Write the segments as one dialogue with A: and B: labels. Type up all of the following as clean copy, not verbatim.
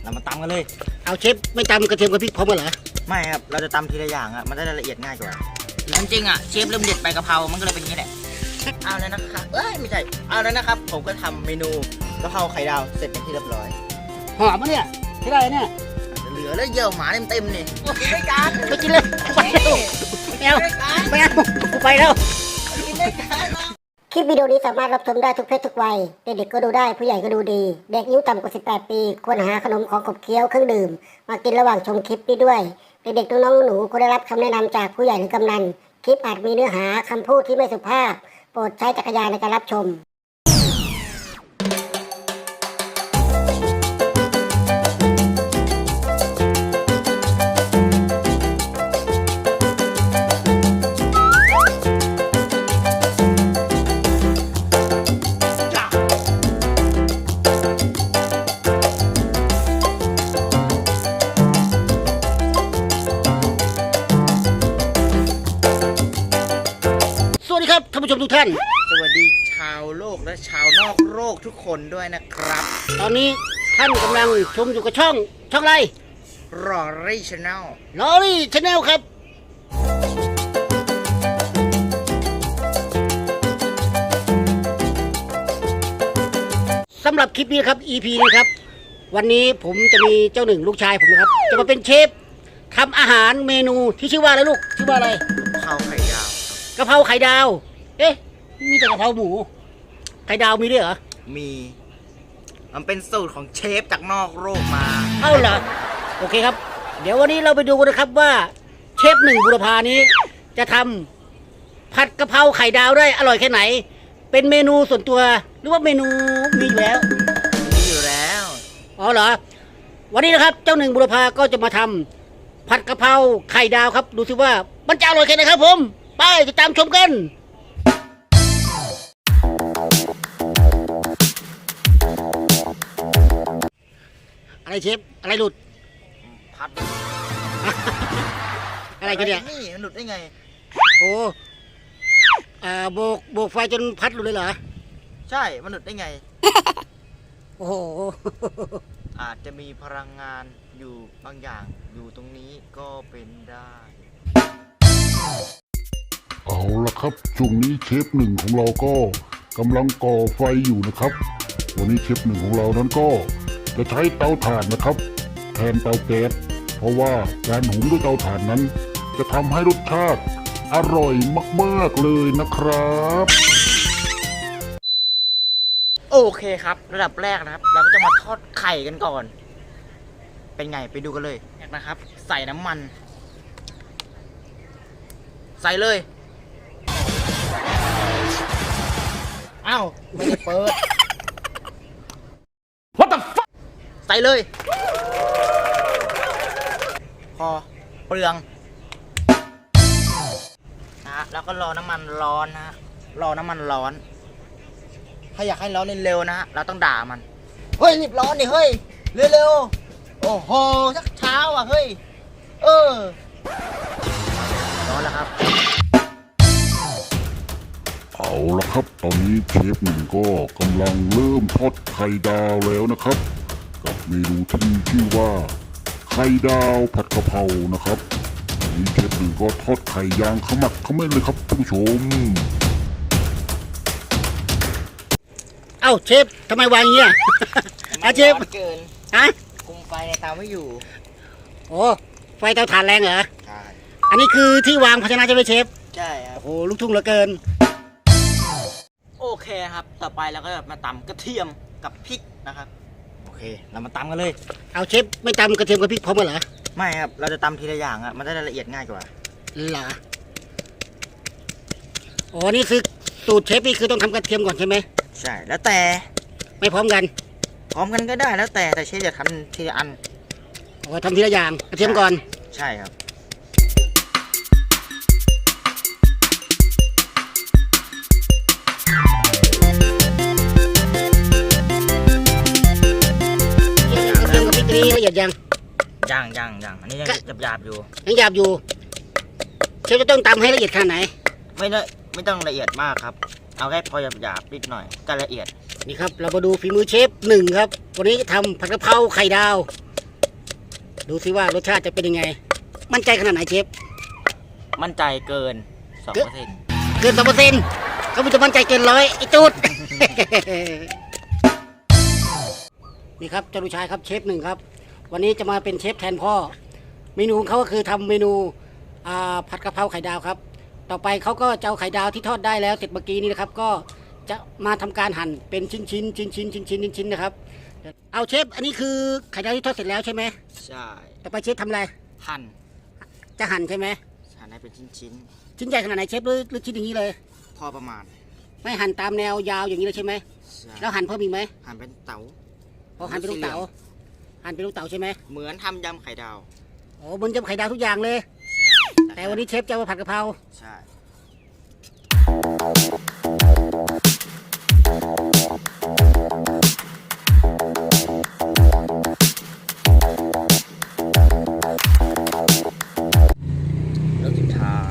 A: เรามาตำกันเลย
B: เอาเชฟไม่ตำกระเทียมกับพริกพร้อมกันเหรอ
A: ไม่ครับเราจะตำทีละอย่างอ่ะมันได้ละเอียดง่ายกว่าจริงๆอ่ะเชฟเริ่มเด็ดใบกะเพรามันก็เลยเป็นอย่างนี้แหละเอาแล้วนะครับไม่ใช่เอาแล้วนะครับผมก็ทำเมนูกะเพราไข่ดาวเสร็จเป็นที่เรียบร้อย
B: หอมมะเนี่ยใช่ได้เนี่ย
A: เหลือแล้วเยี่ยวหมาเต็มๆนี่กินด้วยกัน
B: ไปกินเลยไปแล้วไม่เอาไม่เอาไปแล้วคลิปวิดีโอนี้สามารถรับชมได้ทุกเพศทุกวัยเด็กๆก็ดูได้ผู้ใหญ่ก็ดูดีเด็กอายุต่ำกว่า18 ปีควรหาขนมของขบเคี้ยวเครื่องดื่มมากินระหว่างชมคลิปนี้ด้วยเด็กๆน้องๆหนูควรได้รับคำแนะนำจากผู้ใหญ่หรือกำนันคลิปอาจมีเนื้อหาคำพูดที่ไม่สุภาพโปรดใช้จักรยานในการรับชมสวัสดีครับท่านผู้ชมทุกท่าน
A: สวัสดีชาวโลกและชาวนอกโลกทุกคนด้วยนะครับ
B: ตอนนี้ท่านกำลังชมอยู่กับช่องอะไร
A: รอรี่ชาแนล
B: ครับสำหรับคลิปนี้ครับ EP นี้ครับวันนี้ผมจะมีเจ้าหนึ่งลูกชายผมนะครับจะมาเป็นเชฟทำอาหารเมนูที่ชื่อว่าอะไรลูกชื่อว่าอะไร
A: กะเพราไข่ดาว
B: กะเพราไข่ดาวเอ๊ะมีแต่กะเพราหมูไข่ดาวมีด้วยเหรอ
A: มีมันเป็นสูตรของเชฟจากนอกโลกมา
B: เอ้าเหรอโอเคครับเดี๋ยววันนี้เราไปดูกันนะครับว่าเชฟหนึ่งบุรพานี้จะทำผัดกะเพราไข่ดาวได้อร่อยแค่ไหนเป็นเมนูส่วนตัวหรือว่าเมนูมีอยู่แล้วอ๋อเหรอวันนี้นะครับเจ้าหนึ่งบุรพาก็จะมาทำผัดกะเพราไข่ดาวครับดูสิว่ามันจะอร่อยแค่ไหนครับผมไปติดตามชมกันอะไรเชฟอะไรหลุด
A: พัด
B: อะไรกันเนี่ย
A: นี่มันหลุดได้ไง
B: โอ้โบกไฟจนพัดหลุดเลยเหรอ
A: ใช่มันหลุดได้ไง
B: โอ้โห
A: อาจจะมีพลังงานอยู่บางอย่างอยู่ตรงนี้ก็เป็นได้
C: เอาละครับช่วงนี้เชฟหนึ่งของเราก็กำลังก่อไฟอยู่นะครับวันนี้เชฟหนึ่งของเรานั้นก็จะใช้เตาถ่านนะครับแทนเตาแก๊สเพราะว่าการหุงด้วยเตาถ่านนั้นจะทำให้รสชาติอร่อยมากๆเลยนะครับ
A: โอเคครับระดับแรกนะครับเราก็จะมาทอดไข่กันก่อนเป็นไงไปดูกันเลยนะครับใส่น้ำมันใส่เลยอ้าวไม่ได้เปิด What the fuck ใส่เลยพอเปลืองนะแล้วก็รอน้ำมันร้อนนะรอน้ำมันร้อนถ้าอยากให้ร้อนเร็วๆนะเราต้องด่ามันเฮ้ยรีบร้อนดิเฮ้ยเร็วๆโอ้โหสักเช้าอ่ะเฮ้ยร้อนแล้วครับ
C: เอาละครับตอนนี้เชฟหนึ่งก็กำลังเริ่มทอดไข่ดาวแล้วนะครับกับเมนูที่ชื่อว่าไข่ดาวผัดกะเพรานะครับตอนนี้เชฟหนึ่งก็ทอดไข่ยางขมักเขม้นเลยครับท่านผู้ชม
B: เอ้าเชฟทำไมวางอย่างเงี้ยเชฟ
A: เกินคุมไฟในเตาไม่อยู่
B: โอ้ไฟเตาถ่านแรงเหรอ
A: ใช่
B: อันนี้คือที่วางภาชนะใช่ไหมเชฟ
A: ใช่ครับ
B: โอ้โหลูกทุ่งเหลือเกิน
A: โอเคครับต่อไปเราก็มาตำกระเทียมกับพริกนะครับโอเคเรามาตำกันเลย
B: เอาเชฟไม่ตำกระเทียมกับพริกพร้อมกันเหรอ
A: ไม่ครับเราจะตำทีละอย่างอ่ะมันได้ละเอียดง่ายกว่า
B: เหรอโอ้นี่คือสูตรเชฟนี่คือต้องทำกระเทียมก่อนใช่ไหม
A: ใช่แล้วแต่
B: ไม่พร้อมกัน
A: ก็ได้แล้วแต่เชฟจะทำทีละอัน
B: โอ้ทำทีละอย่างกระเทียมก่อน
A: ใช่ครับ
B: นี่ละเอียดยัง
A: อันนี้ยังหยาบอยู่
B: เชฟจะต้องตำให้ละเอียดขนาดไหน
A: ไม่ต้องละเอียดมากครับเอาแค่พอหยาบนิดหน่อยก็ละเอียด
B: นี่ครับเรามาดูฝีมือเชฟหนึ่งครับวันนี้ทำผัดกะเพราไข่ดาวดูซิว่ารสชาติจะเป็นยังไง มั่นใจขนาดไหนเชฟ
A: มั่นใจเกิน 2%
B: เกิน2%เขาจะมั่นใจเกิน100ไอ้จูด นี่ครับเจ้าลูกชายครับเชฟหนึ่งครับ วันนี้จะมาเป็นเชฟแทนพ่อ เมนูของเขาก็คือทำเมนูผัดกะเพราไข่ดาวครับ ต่อไปเขาก็จะเอาไข่ดาวที่ทอดได้แล้วเสร็จเมื่อกี้นี้นะครับ ก็จะมาทำการหั่นเป็นชิ้นนะครับ เอาเชฟอันนี้คือไข่ดาวที่ทอดเสร็จแล้วใช่ไหม
A: ใช่
B: ต่อไปเชฟทำอะไร
A: หั่น
B: จะหั่นใช่ไหม
A: หั่นให้เป็นชิ้น
B: ชิ้นใหญ่ขนาดไหนเชฟหรือชิ้นอย่างนี้เลย
A: ๆพอประมาณ
B: ไม่หั่นตามแนวยาวอย่างนี้เลยใช่ไหม
A: ใช่
B: แล้วหั่นเพิ่มอีกไหม
A: หั่นเป็นเต๋า
B: พอหั่นเป็นลูกเต๋าหั่นเป็นลูกเต๋าใช่ไหม
A: เหมือนทำยำไข่ดาว
B: โอ้บนจะไข่ดาวทุกอย่างเลย
A: ใช่
B: แต่วันนี้เชฟจะมาผัดกะเพรา
A: ใช่ แล้วสุดท้าย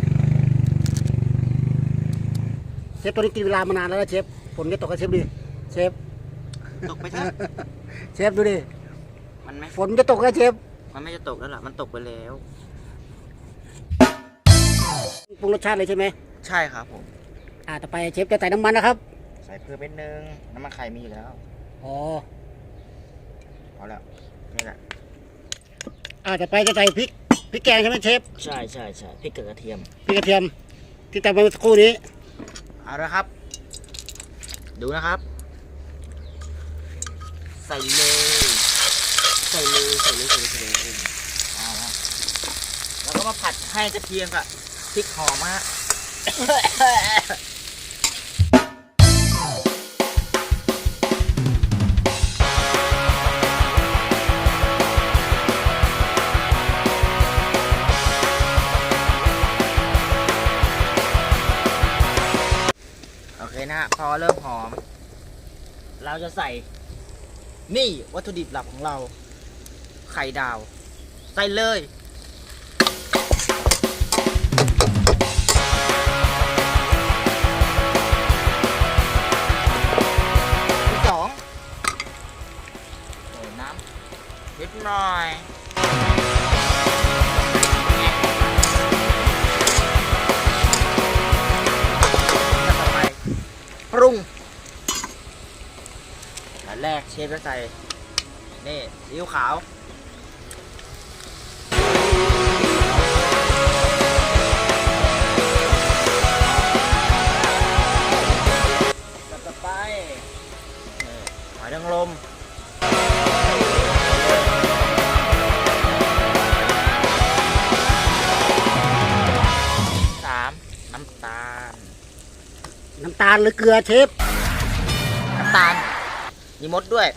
B: เชฟตัวนี้กินเวลามานานแล้วนะเชฟฝนจะตกกับเชฟดิเชฟ
A: ตกไปเถอะ
B: เชฟดูดิ
A: มันไม่
B: ฝนจะตกแล้วเชฟ
A: มันไม่จะตกแล้วล่ะ มันตกไปแล้ว
B: ปรุงรสชาติเลยใช่ไหม
A: ใช่ครับผม
B: ต่อไปเชฟจะใส่น้ำมันนะครับ
A: ใส่เพิ่มนิดนึง น้ำมันไข่มีอยู่แล้ว
B: อ๋อ
A: เอาแล้วนี่แหละ
B: ต่อไปจะใส่พริกแกงใช่ไหมเชฟ
A: ใช่พริกกับกระเทียม
B: พริกกระเทียมที่ตำไปเมื่อสักครู่นี้
A: เอาละครับ ดูนะครับ ใส่เลยเอาละแล้วก็มาผัดให้กระเทียมกับพริกหอมฮะ โอเคนะฮะพอเริ่มหอม เราจะใส่ นี่วัตถุดิบหลักของเรา ไข่ดาว ใส่เลยที่สองใส่น้ำนิดหน่อยแล้วต่อไปปรุงอันแรกเชฟจะใส่ นี่ซีอิ๊วขาวต่อไปนี่หอยนางรมสามน้ำตาล
B: น้ำตาลหรือเกลือเชฟ
A: น้ำตาลมีมดด้วย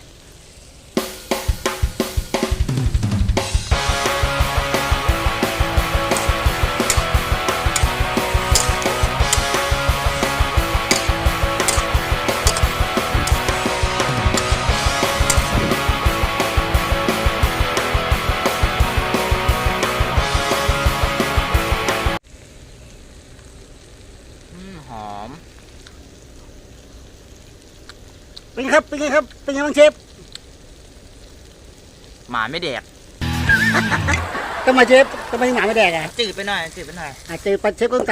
A: หอม
B: เป็นไงครับเป็นไงบ้างเชฟ
A: หมาไม่แดก
B: ทำไมเชฟทำไมหนาไม่แดกอ่ะ
A: จืดไปหน่อย
B: เชฟก็ต้องใส่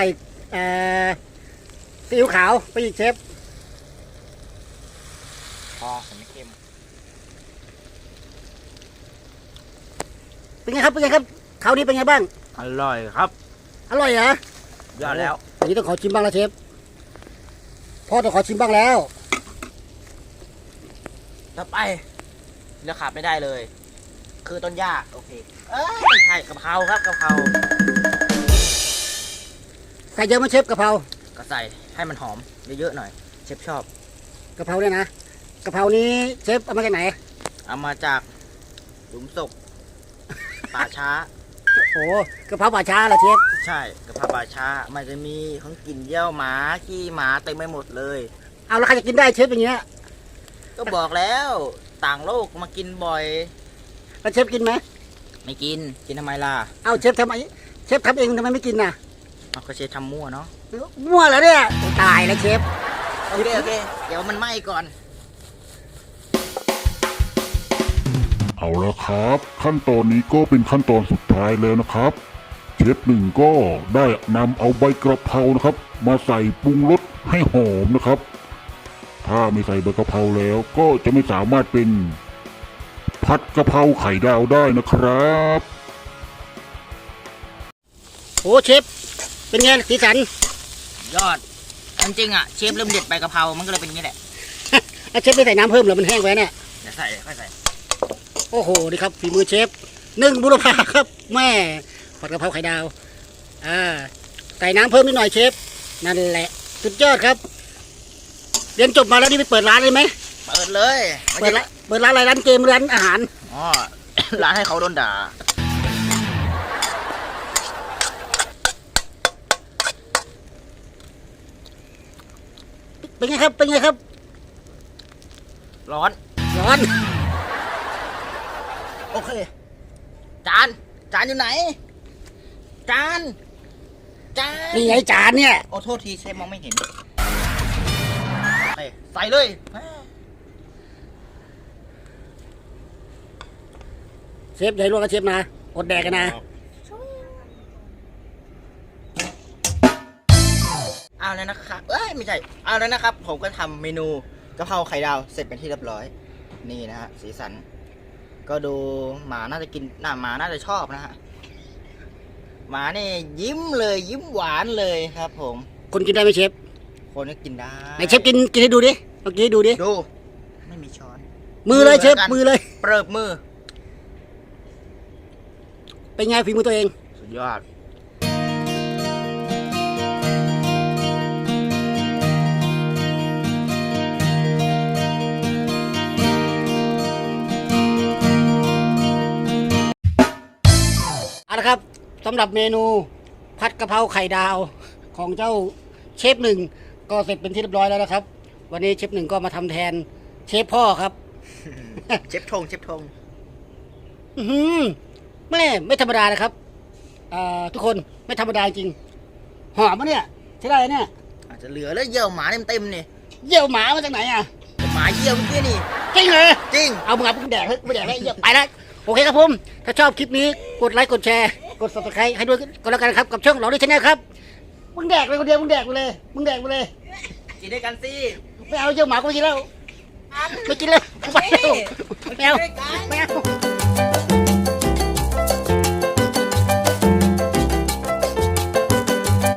B: ซีอิ๊วขาวไปอีกเชฟ
A: พอแต่ไม่เค็ม
B: เป็นไงครับคราวนี้เป็นไงบ้าง
A: อร่อยครับ
B: อร่อยเหรอย
A: อดแล้ว
B: อันนี้ต้องขอชิมบ้างแล้วเชฟพ่อต้องขอชิมบ้างแล้ว
A: ต่อไปเลือกขาดไม่ได้เลย คือต้นหญ้าโอเคไม่ใช่กะเพราครับกะเพรา
B: ใส่เยอะไหมเชฟกะเพรา
A: ก็ใส่ให้มันหอมเยอะๆหน่อย เชฟชอบ
B: กะเพราเนี่ยนะกะเพรานี้เชฟเอามาจากไหน
A: เอามาจากหลุมศพป่าช้า
B: โอ้กะเพราป่าช้าเหรอเชฟ
A: ใช่กะเพราป่าช้า มันจะมีของกลิ่นเยี่ยวหมาขี้หมาเต็มไปหมดเลย
B: เอาแล้วใครจะกินได้เชฟอย่างเงี้ย
A: ก็บอกแล้วต่างโลกมากินบ่อย
B: แล้วเชฟกินไหม
A: ไม่กินทำไมล่ะ
B: เอาเชฟทำไมเชฟทำเองทำไมไม่กินน่ะ
A: เอาก็เชฟทำมั่วเนาะ
B: มั่วแล้วเนี่ยตายแล้วเชฟ
A: โอเคเดี๋ยวมันไหม้ก่อน
C: เอาเอาละครับ ขั้นตอนนี้ก็เป็นขั้นตอนสุดท้ายแล้วนะครับ เชฟหนึ่งก็ได้นำเอาใบกระเพรานะครับ มาใส่ปรุงรสให้หอมนะครับ ถ้าไม่ใส่ใบกะเพราแล้วก็จะไม่สามารถเป็นผัดกะเพราไข่ดาวได้นะครับ
B: โอ้เชฟเป็นไงสีสัน
A: ยอดจริงๆอ่ะเชฟเริ่มเด็ดใบกะเพรามันก็เลยเป็นอย่างนี้แหละ
B: เชฟไม่ใส่น้ำเพิ่มเหรอมันแห้งไว้เนี่ย
A: เดี๋ยวใส่ค่อยใส่
B: โอ้โหนี่ครับฝีมือเชฟหนึ่งบุรพาครับแม่ผัดกะเพราไข่ดาวใส่น้ำเพิ่มนิดหน่อยเชฟนั่นแหละสุดยอดครับเรียนจบมาแล้วนี่ไปเปิดร้านเลยไหม
A: เปิดเลยไม่
B: เปิด
A: ใช่
B: ร้านอะไรร้านเกมร้านอาหาร
A: อ๋อ ร้านให้เขาโดนด่า
B: เป็นไงครับเป็นไงครับ
A: ร้อน
B: ร้อน
A: โอเค จานอยู่ไหน จาน
B: นี่ไงจานเนี่ย
A: โอ้โทษทีเชฟมองไม่เห็นใส่เลย
B: เชฟใหญ่ลวกกับเชฟนะอดแดกกันนะ
A: เอาแล้วนะครับไม่ใช่เอาแล้วนะครับ ผมก็ทำเมนูกะเพราไข่ดาวเสร็จเป็นที่เรียบร้อย นี่นะฮะสีสัน ก็ดูหมาน่าจะกินหมาน่าจะชอบนะฮะหมาเนี่ยยิ้มเลยยิ้มหวานเลยครับ ผม
B: คนกินได้ไหมเชฟ
A: คนก็กินได้
B: ไหนเชฟกินให้ดูดิลองกินให้ดูดิ
A: ดูไม่มีช้อน
B: มือเลยเชฟมือเลย
A: เปิบมือ
B: เป็นไงฝีมือตัวเอง
A: สุดยอด
B: เอาละครับสำหรับเมนูผัดกะเพราไข่ดาวของเจ้าเชฟหนึ่งก็เสร็จเป็นที่เรียบร้อยแล้วนะครับ วันนี้เชฟหนึ่งก็มาทำแทนเชฟพ่อครับ
A: เชฟทง
B: อื้อหือไม่ธรรมดานะครับทุกคนไม่ธรรมดาจริงหอมมะเนี่ยใช่ได้เนี่ย
A: อาจจะเหลือแล้วเยี่ยวหมาเต็มนี่
B: เยี่ยวหมามาจากไหนอ่ะ
A: หมาเยี่ยวเมื่อกี้นี่
B: จริงเหรอ
A: จริง
B: เอามึงแดกเฮ้ยไม่แดกแล้วเยี่ยวไปแล้วโอเคครับผมถ้าชอบคลิปนี้กดไลค์กดแชร์กด subscribe ให้ด้วยก็แล้วกันครับกับช่องเราด้วยชาแนลครับมึงแดกเลยคนเดียวมึงแดกไปเลย
A: กินด้วยกันสิ
B: ไม่เอาเยี่ยวหมากูไม่กินแล้วไม่กินแล้วไม่เอาไม่เอา